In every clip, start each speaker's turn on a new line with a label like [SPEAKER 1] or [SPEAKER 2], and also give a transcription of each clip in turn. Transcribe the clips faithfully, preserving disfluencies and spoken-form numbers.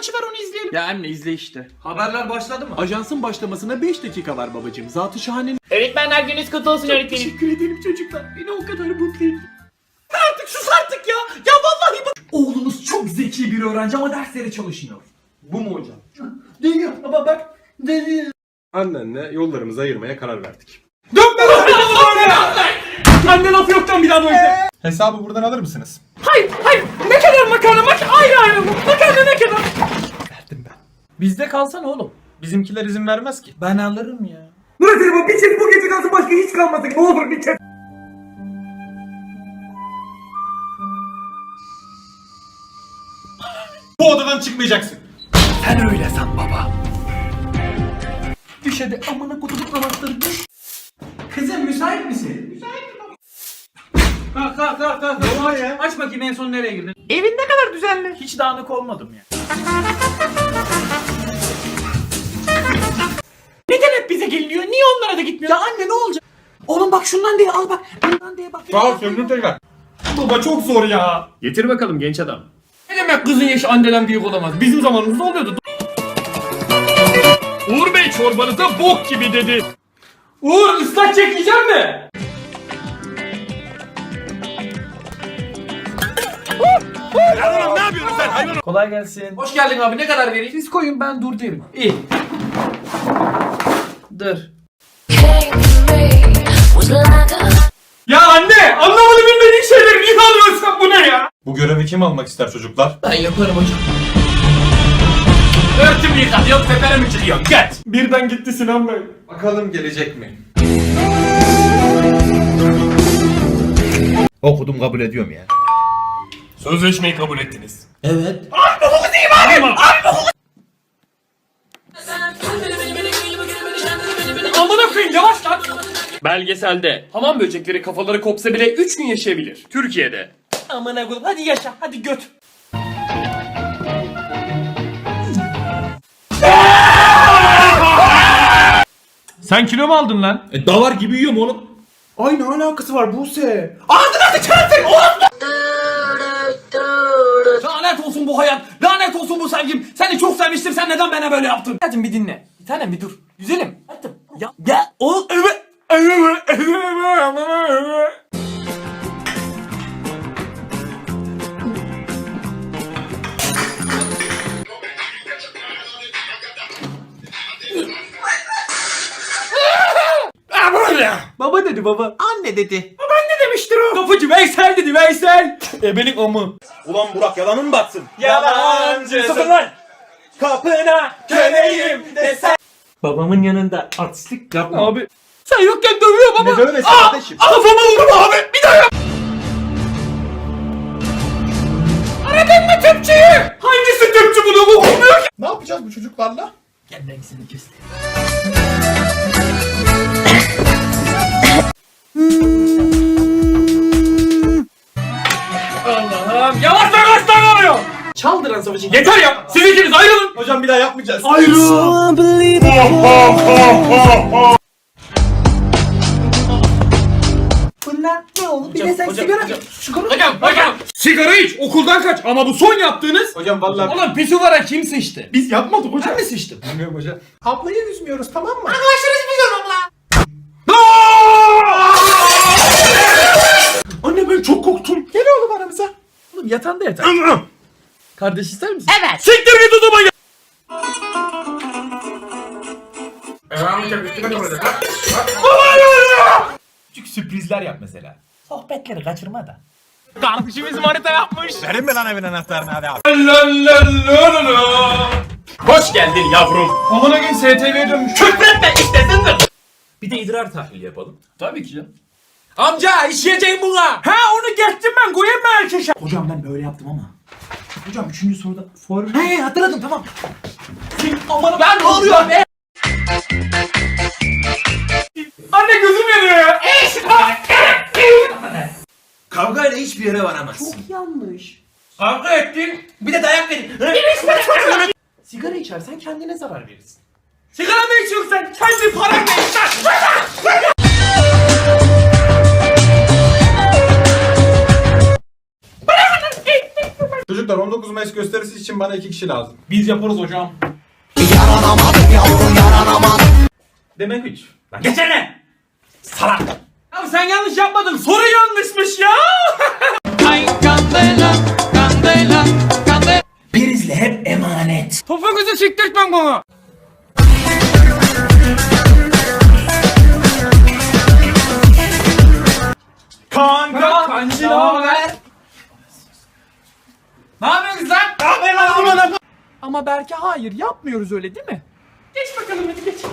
[SPEAKER 1] maçı var, onu izleyelim.
[SPEAKER 2] Ya anne izle işte.
[SPEAKER 1] Haberler başladı mı?
[SPEAKER 2] Ajansın başlamasına beş dakika var babacığım. Zat-ı şahanenin...
[SPEAKER 3] Öğretmenler gününüz kutlu olsun öğretmenim.
[SPEAKER 2] Teşekkür ederim çocuklar. Beni o kadar mutlu ettin.
[SPEAKER 1] Artık sus artık ya. Ya vallahi bak. Oğlunuz çok zeki bir öğrenci ama derslere çalışmıyor. Bu mu hocam? Değil ama bak. Değil.
[SPEAKER 4] Annenle yollarımızı ayırmaya karar verdik.
[SPEAKER 1] Dönme lan böyle. Anne laf yoktan bir daha böyle.
[SPEAKER 4] Hesabı buradan alır mısınız?
[SPEAKER 1] Hayır hayır. Ne kadar makarna mak ayrı ayrı mı? Makarna ne kadar?
[SPEAKER 4] Verdim ben.
[SPEAKER 1] Bizde kalsana oğlum.
[SPEAKER 4] Bizimkiler izin vermez ki.
[SPEAKER 1] Ben alırım ya.
[SPEAKER 5] Murat bu bir çek bu gece kalsın başka hiç kalmasın. Ne olur bir çek.
[SPEAKER 4] Bu odadan çıkmayacaksın.
[SPEAKER 1] Sen öyle san baba. Düş hadi amına kutuluk namazları düş. Kızım müsait misin? Müsaitim baba. Kalk kalk kalk kalk. Ne var ya? Aç bakayım en son nereye girdin?
[SPEAKER 3] Evin ne kadar düzenli.
[SPEAKER 1] Hiç dağınık olmadım ya.
[SPEAKER 3] Neden hep bize geliniyor? Niye onlara da gitmiyor?
[SPEAKER 1] Ya anne ne olacak? Oğlum bak şundan diye al bak. Bundan diye bak.
[SPEAKER 4] Sağ ol söndür tekrar.
[SPEAKER 1] Baba çok zor ya.
[SPEAKER 4] Getir bakalım genç adam.
[SPEAKER 1] Ne demek kızın yaşı anneden büyük olamaz? Bizim zamanımızda oluyordu.
[SPEAKER 4] Uğur Bey çorbanıza bok gibi dedi.
[SPEAKER 1] Uğur ıslak çekeceğim mi?
[SPEAKER 4] Oğlum ne yapıyorsun sen hayvan?
[SPEAKER 1] Kolay gelsin. Hoş geldin abi, ne kadar vereyim? Siz koyun ben dur derim. İyi. Dur. Ya anne anlamadı bilmediğin şeyleri niye alıyorsun, bu ne ya?
[SPEAKER 4] Bu görevi kim almak ister çocuklar?
[SPEAKER 1] Ben yaparım hocam. Örtümü yıkat yok tepene mi çıkıyorsun? Geç. Birden gitti Sinan Bey.
[SPEAKER 4] Bakalım gelecek mi?
[SPEAKER 6] Okudum kabul ediyorum ya.
[SPEAKER 4] Sözleşmeyi kabul ettiniz.
[SPEAKER 1] Amına koyayım yavaş lan.
[SPEAKER 2] Belgeselde hamam böcekleri kafaları kopsa bile üç gün yaşayabilir. Türkiye'de.
[SPEAKER 1] Amına koyayım hadi yaşa hadi göt.
[SPEAKER 4] Sen kilo mu aldın lan?
[SPEAKER 6] E davar gibi yiyorum oğlum.
[SPEAKER 4] Ay ne alakası var Buse?
[SPEAKER 1] Lanet olsun bu hayat. Lanet olsun bu sevgim. Seni çok sevmiştim. Sen neden bana böyle yaptın? Hadi bir dinle. Bir tanem bir dur. Güzelim. Hadi. Ya. Ya. O. Evet. Baba dedi baba.
[SPEAKER 3] Anne dedi.
[SPEAKER 1] Ne demiştir o? Kapıcı Veysel dedi Veysel. Ebelik amı.
[SPEAKER 6] Ulan Burak yalanın mı batsın?
[SPEAKER 1] Yalancı.
[SPEAKER 6] Sakın lan! Kapına köleyim desen.
[SPEAKER 1] Babamın yanında artistlik yapma. Abi. Sen yokken dövüyor baba.
[SPEAKER 6] Ne dövmesi kardeşim?
[SPEAKER 1] Kafama vurma abi. Bir daha yap. Aradın mı tüpçüyü? Hangisi tüpçü bunu bu olmuyor ki?
[SPEAKER 4] Ne yapacağız bu çocuklarla?
[SPEAKER 1] Gel ben seni göstereyim. Allah'ım yavaş yavaş davranıyor. Çaldıran savaşı. Yeter ya. Siz ikiniz ayrılın.
[SPEAKER 6] Hocam bir daha yapmayacağız.
[SPEAKER 1] Ayrılın. Bunlar ne oğlum? Bir de sen sigara. Sigara. Hocam hocam. Sigara iç. Okuldan kaç. Ama bu son yaptığınız.
[SPEAKER 4] Hocam vallahi
[SPEAKER 1] Oğlum pisuvara kim sıçtı?
[SPEAKER 4] biz yapmadık hocam.
[SPEAKER 1] Ben mi sıçtım?
[SPEAKER 4] Bilmiyorum hocam. Ablayı üzmüyoruz tamam mı?
[SPEAKER 1] Anne ben çok korktum. Gel oğlum aramıza. Oğlum yatağında yatar. Kardeş ister misin?
[SPEAKER 3] Evet.
[SPEAKER 1] Siktir git o zaman ya. Küçük sürprizler yap mesela. Sohbetleri kaçırma da.
[SPEAKER 2] Kardeşimiz manita yapmış.
[SPEAKER 6] Verin mi lan evin anahtarını hadi abi.
[SPEAKER 2] Hoş geldin yavrum.
[SPEAKER 1] Amına gün S T V'ye dönmüş.
[SPEAKER 2] Küfretme istesindir.
[SPEAKER 1] Bir de idrar tahlili yapalım. Tabii ki canım. Amca işleyeceğim buna. Ha onu geçtim ben koyayım mı erkeşe? Hocam ben böyle yaptım ama. Hocam üçüncü soruda for... He hatırladım tamam. Sen aman ben ne oluyor be? Anne gözüm yanıyor ya.
[SPEAKER 6] Kavgayla hiçbir yere varamazsın.
[SPEAKER 1] Yanlış. Kavga ettin.
[SPEAKER 6] Bir de dayak verin.
[SPEAKER 1] Sigara içersen kendine zarar verirsin. Sigara mı içiyorsun sen? Kendi paranla iç lan.
[SPEAKER 4] Çocuklar Çocuklar on dokuz Mayıs gösterisi için bana iki kişi lazım.
[SPEAKER 1] Biz yaparız hocam. Demek üç. Lan geçene! Salak! Abi sen yanlış yapmadın. Soru yanlışmış ya!
[SPEAKER 5] Prizle hep emanet.
[SPEAKER 1] Topuğunuzu siktirtmem bana.
[SPEAKER 2] Kanka.
[SPEAKER 1] Kancı ne haber? Ne yapıyorsunuz lan?
[SPEAKER 3] Ama belki hayır yapmıyoruz öyle değil mi?
[SPEAKER 2] Geç bakalım hadi geç.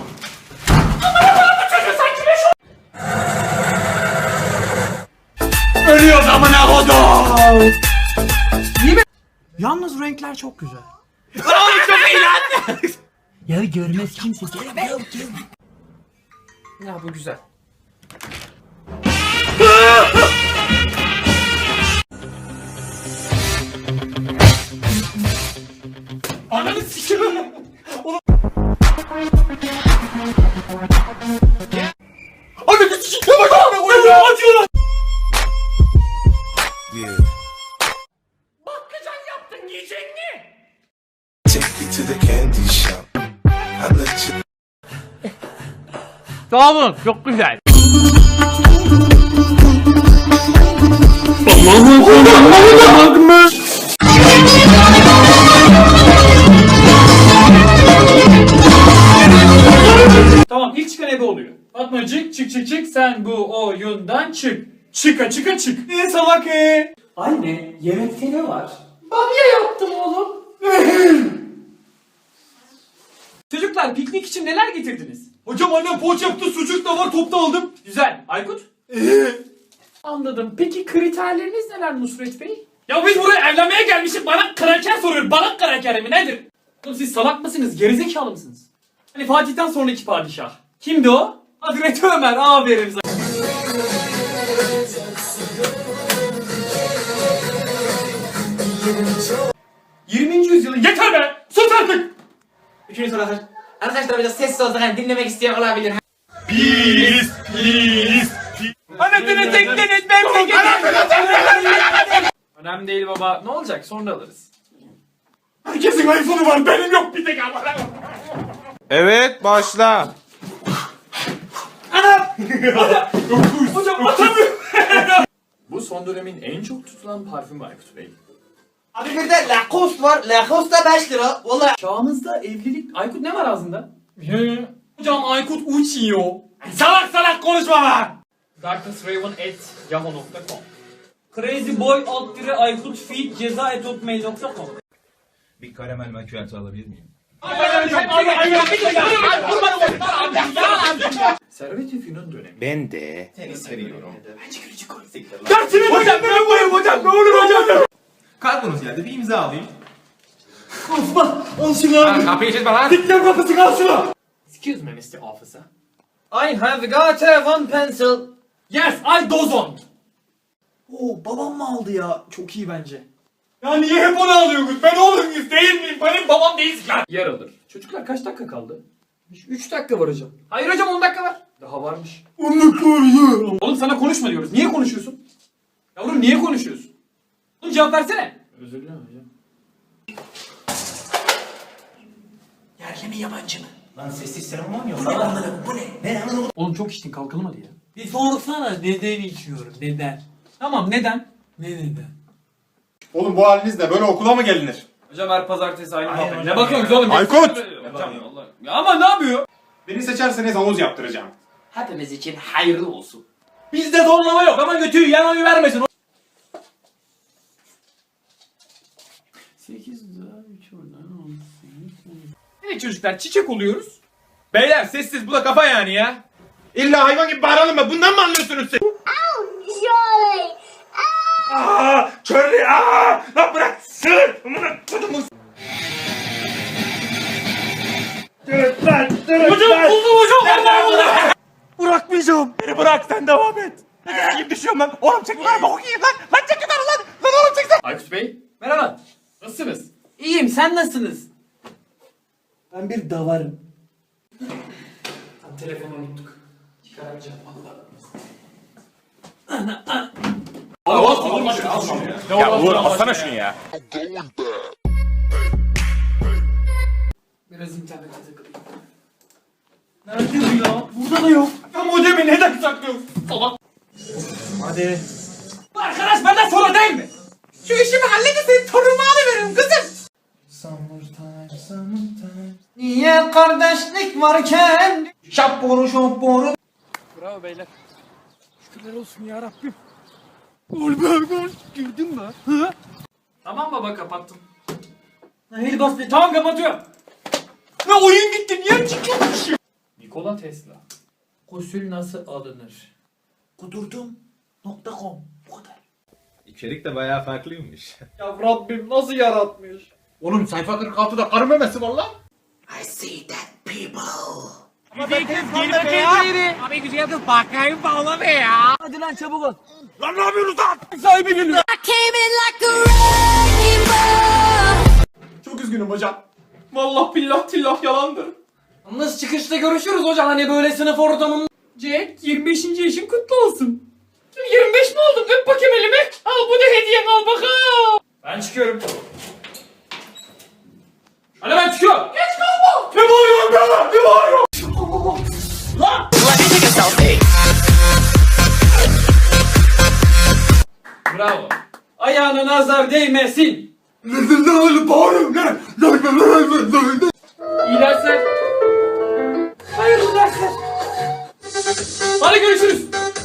[SPEAKER 1] Ölüyoruz amına kodum.
[SPEAKER 3] Yalnız renkler çok güzel.
[SPEAKER 5] Ya görmez kimse.
[SPEAKER 3] Ya bu güzel.
[SPEAKER 2] Ananı sikiyorum.
[SPEAKER 1] Ananı sikeyim bak amına koyayım ya. Acıyor lan.
[SPEAKER 2] Bakkacan yaptın yiyecek mi?
[SPEAKER 7] Take you to the candy shop. I let you.
[SPEAKER 3] Sağ olun çok güzel.
[SPEAKER 2] Tamam ilk çıkan ebe oluyor. Fatmacık çık çık çık sen bu oyundan çık. Çıka çıka çık.
[SPEAKER 1] Ne salak e?
[SPEAKER 2] Anne yemekte ne var? Bamya yaptım oğlum. Çocuklar piknik için neler getirdiniz?
[SPEAKER 1] Hocam annem poğaça yaptı, sucuk da var, topta aldım.
[SPEAKER 2] Güzel. Aykut? Anladım. Peki kriterleriniz neler Nusret Bey? Ya biz buraya evlenmeye gelmişiz. Bana kraker soruyor. Bana kraker mi nedir? Oğlum siz salak mısınız? Gerizekalı mısınız? Hani Fatih'ten sonraki padişah. Kimdi o? Hazreti Ömer. Aferin sana. yirminci yüzyılın yeter be! Sus artık!
[SPEAKER 3] Üçüncü soru arkadaşlar. Arkadaşlar biraz sessiz olsak hani dinlemek isteyen olabilir.
[SPEAKER 2] Anasını tekleniz ben Önemli değil baba. Ne olacak? Sonra alırız.
[SPEAKER 1] Herkesin iPhone'u var, benim yok bir tek ama.
[SPEAKER 6] Evet başla.
[SPEAKER 2] Hocam atamıyorum. Bu son dönemin en çok tutulan parfümü Aykut Bey.
[SPEAKER 3] Abi bir de Lacoste var. Lacoste da beş lira. Vallahi.
[SPEAKER 2] Çağımızda evlilik... Aykut ne var ağzında? Hocam Aykut uçuyor. Salak salak konuşma lan! darknessraven at yahoo nokta com Crazyboy alt dire Aykut feed ceza et hotmail nokta com
[SPEAKER 8] Bir karamel macchiato alabilir miyim?
[SPEAKER 2] Servet-i Fünun dönemi.
[SPEAKER 6] Ben de.
[SPEAKER 1] Dersini hocam ben koyayım hocam, ne olur hocam.
[SPEAKER 8] Kargonuz geldi, bir imza alayım.
[SPEAKER 1] Osman, al şunu abi.
[SPEAKER 6] Kapıyı çizme lan.
[SPEAKER 1] Dikler kapısı al şunu.
[SPEAKER 2] Excuse me mister Officer.
[SPEAKER 3] I have got a one pencil.
[SPEAKER 2] Yes, I dozon.
[SPEAKER 3] Oo babam mı aldı ya? Çok iyi bence.
[SPEAKER 1] Ya niye hep onu alıyorsunuz? Ben oğlunuz değil miyim? Benim babam değilsin ya.
[SPEAKER 2] Yer alır. Çocuklar kaç dakika kaldı? üç dakika var hocam. Hayır hocam on dakika var. Daha varmış. Oğlum sana konuşma diyoruz. Niye konuşuyorsun? Yavrum niye konuşuyorsun? Oğlum cevap versene. Özür dilerim hocam.
[SPEAKER 5] Yerli mi yabancı mı? Lan sessiz seremon yok. Bu ne anladım, bu ne? Ne anladım?
[SPEAKER 2] Oğlum çok içtin kalkalım hadi ya.
[SPEAKER 5] Bir sorsana neden içiyorum, neden?
[SPEAKER 2] Tamam neden?
[SPEAKER 5] Ne neden?
[SPEAKER 4] Oğlum bu halinizle böyle okula mı gelinir?
[SPEAKER 2] Hocam her pazartesi aynı
[SPEAKER 5] Hayır
[SPEAKER 2] muhabbet.
[SPEAKER 5] hocam
[SPEAKER 2] Ne bakıyorsunuz oğlum?
[SPEAKER 4] Aykut!
[SPEAKER 2] Hocam Allah. Ya ama ne yapıyor?
[SPEAKER 4] Beni seçerseniz havuz yaptıracağım.
[SPEAKER 3] Hepimiz için hayırlı olsun.
[SPEAKER 5] Bizde zorlama yok ama götüyü yan oyu vermesin.
[SPEAKER 2] sekiz daha üç oradan on sekiz. Evet çocuklar çiçek oluyoruz.
[SPEAKER 6] Beyler sessiz bu da kafa yani ya. İlla hayvan gibi bağıralım mı? Bundan mı anlıyorsunuz siz?
[SPEAKER 9] Surely.
[SPEAKER 6] Aaa! Körlü aaa! Lan bırak! Sığır! Amına kodumun! Dırıt lan! Dırıt
[SPEAKER 2] Hocam
[SPEAKER 6] lan!
[SPEAKER 2] buldum hocam. Allah Allah.
[SPEAKER 6] Bırakmayacağım! Beni bırak sen devam et! Ne gibi düşüyorum lan? Oğlum çek yukarı bak okuyayım lan! Lan çek yukarı lan! Lan oğlum çek sen!
[SPEAKER 2] Aykut Bey merhaba. Nasılsınız?
[SPEAKER 3] İyiyim sen nasılsınız?
[SPEAKER 5] Ben bir davarım.
[SPEAKER 2] Telefonu unuttuk. Çıkaramayacağım valla. Allah aşkına al şunu ya.
[SPEAKER 6] Ya Uğur alsana şunu ya.
[SPEAKER 2] Biraz internete takılayım. Nerede bu ya? Burada da yok. Ya modemi neden saklıyorsun? Salak.
[SPEAKER 5] Hadi.
[SPEAKER 2] Bu arkadaş benden sonra değil mi? Şu işimi halledin senin torunumu alıveririm kızım.
[SPEAKER 5] Summertime, summertime. Niye kardeşlik varken? Şapboru şapboru.
[SPEAKER 2] Bravo beyler. Şükürler olsun ya Rabbim. Girdin mi? Hı? Tamam baba kapattım. Hayır bas be. Tamam kapatıyorum. Ne oyun gitti niye çıkıyormuş? Nikola Tesla. Gusül nasıl alınır?
[SPEAKER 5] Kudurdum. Nokta com. Bu kadar.
[SPEAKER 8] İçerik de bayağı farklıymış.
[SPEAKER 2] Ya Rabbim nasıl yaratmış?
[SPEAKER 4] Oğlum sayfa kırk altıda karı memesi var lan.
[SPEAKER 5] I see that people.
[SPEAKER 4] Çok üzgünüm hocam.
[SPEAKER 2] Vallahi billah tillah yalandır. Yalnız çıkışta görüşürüz hocam hani böyle sınıf ortamında. Jack yirmi beşinci yaşın kutlu olsun. yirmi beş mi oldum? Öp bakayım elimi. Al bu da hediyen al bakalım. Ben çıkıyorum. Hadi ben çıkıyorum. Geç kalma. Ne bağırıyorsun be? Ne bağırıyorsun? Lan! Bravo. Ayağına nazar değmesin. İyi dersler. Hayırlı dersler. Hadi görüşürüz.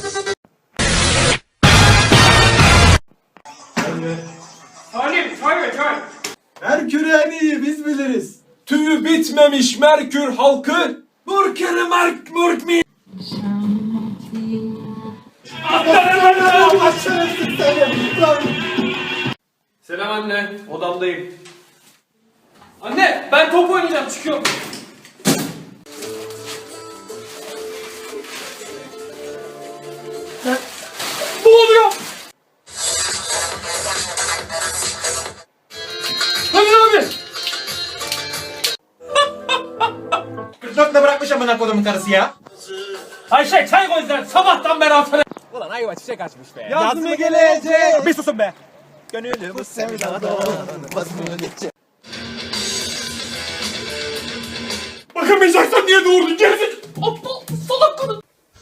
[SPEAKER 2] Salim, çay ver çay.
[SPEAKER 1] Merkür en iyi biz biliriz. Tüyü bitmemiş Merkür halkı. Murkürü Mark Murk mi?
[SPEAKER 2] Selam anne, odamdayım. Anne, ben top oynayacağım, çıkıyorum. Ne? Ne oluyor? Hadi abi.
[SPEAKER 4] kırk dörtte bırakmış amına kodumun karısı ya.
[SPEAKER 2] Ayşe çay koy sen, sabahtan beri atana.
[SPEAKER 6] Yazmı gelecek. Bir susun be. Gönülü bu sevdadan
[SPEAKER 2] Bakamayacaksan niye doğurdun gerizekalı? Aptal, salak kadın.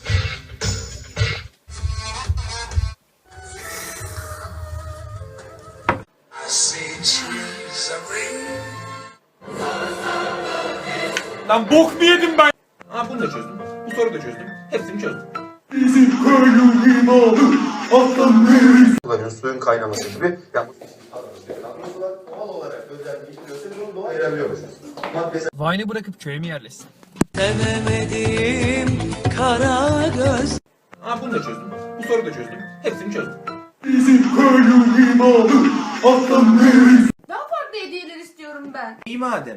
[SPEAKER 6] Lan bok mu yedim ben?
[SPEAKER 8] Ha bunu da çözdüm. Bu soruyu da çözdüm. Hepsini çözdüm.
[SPEAKER 10] kullanıyoruz suyun kaynaması gibi. Yani doğal olarak özelliği biliyorsa biz onu doğaya ayırabiliyormuşuz. Maddesi
[SPEAKER 2] Vine'ı bırakıp köye mi yerleşsin?
[SPEAKER 8] Ha bunu da çözdüm. Bu soruyu da çözdüm. Hepsini çözdüm.
[SPEAKER 9] Daha farklı hediyeler istiyorum ben.
[SPEAKER 8] İyi madem.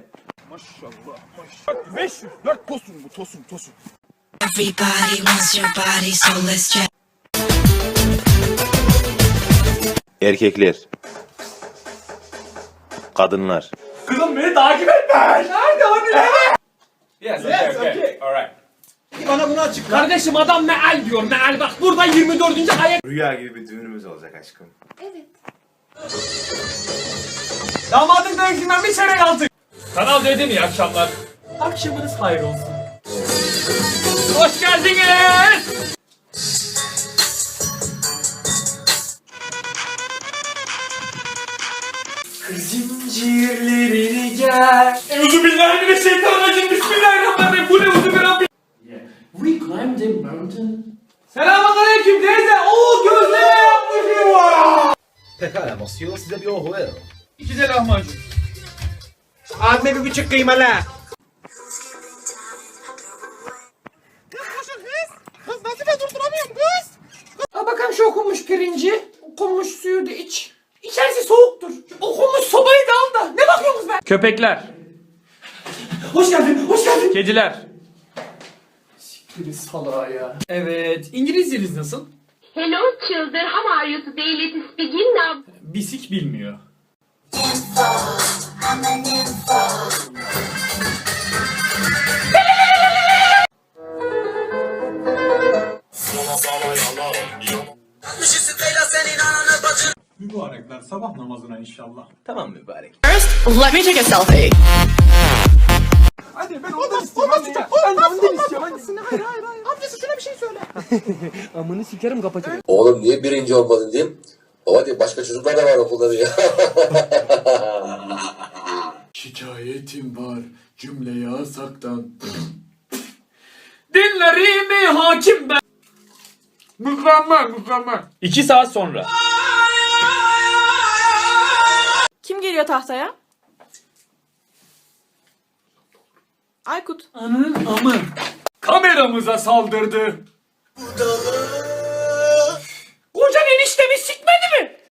[SPEAKER 6] beş yüz dört tosun bu tosun tosun.
[SPEAKER 11] Everybody wants your body, so let's check.
[SPEAKER 8] Erkekler. Kadınlar.
[SPEAKER 2] Kızım beni takip etme. Nerede hani nerede?
[SPEAKER 6] Yes, okay, okay. Alright.
[SPEAKER 4] Bana bunu açıkla.
[SPEAKER 2] Kardeşim adam meal diyor meal bak burada yirmi dördüncü ayak.
[SPEAKER 10] rüya gibi bir düğünümüz olacak aşkım.
[SPEAKER 9] Evet.
[SPEAKER 2] Damadın dövüşünden bir çeyrek aldık. Kanal dedim iyi akşamlar. Akşamınız hayır olsun. Hoş geldiniz. Zincirlerini gel. Euzubillahimineşşeytanirracim. Bismillahirrahmanirrahim. Bu ne uzubillahirrahmanirrahim. We climbed a mountain. Selamünaleyküm teyze. Oo gözleme yapmışım var.
[SPEAKER 10] Pekala Mosyo, size bir ohu verin.
[SPEAKER 2] İki de lahmacun.
[SPEAKER 4] Abime bir buçuk kıymalı.
[SPEAKER 2] Al bakalım şu okunmuş pirinci. Okunmuş suyu da iç. İçerisi soğuktur. Okunmuş sobayı da al da. Ne bakıyorsunuz be? Köpekler. Hoş geldin, hoş geldin. Kediler. Siktir salağa ya. Evet, İngilizceniz nasıl?
[SPEAKER 9] Hello children, how are you today? Let's begin now.
[SPEAKER 2] Bisik bilmiyor.
[SPEAKER 11] Senin ananı bacın.
[SPEAKER 6] Mübarekler sabah namazına inşallah.
[SPEAKER 8] Tamam mübarek.
[SPEAKER 11] First, let me take a selfie.
[SPEAKER 6] Hadi ben ondan istiyorum. Ondan istiyorum. Ben de ondan istiyorum. Annesine hayır hayır hayır. Amcası şuna bir şey söyle.
[SPEAKER 5] Amını sikerim kapatırım.
[SPEAKER 10] Oğlum niye birinci olmadın diyeyim. Baba diye başka çocuklar da var okulda diyor.
[SPEAKER 2] Şikayetim var cümle yasaktan. Dinlerimi hakim ben. Mükemmel mükemmel. İki saat sonra.
[SPEAKER 9] Kim geliyor tahtaya? Aykut.
[SPEAKER 2] Anın amı. Kameramıza saldırdı. Kocan eniştemi sikme.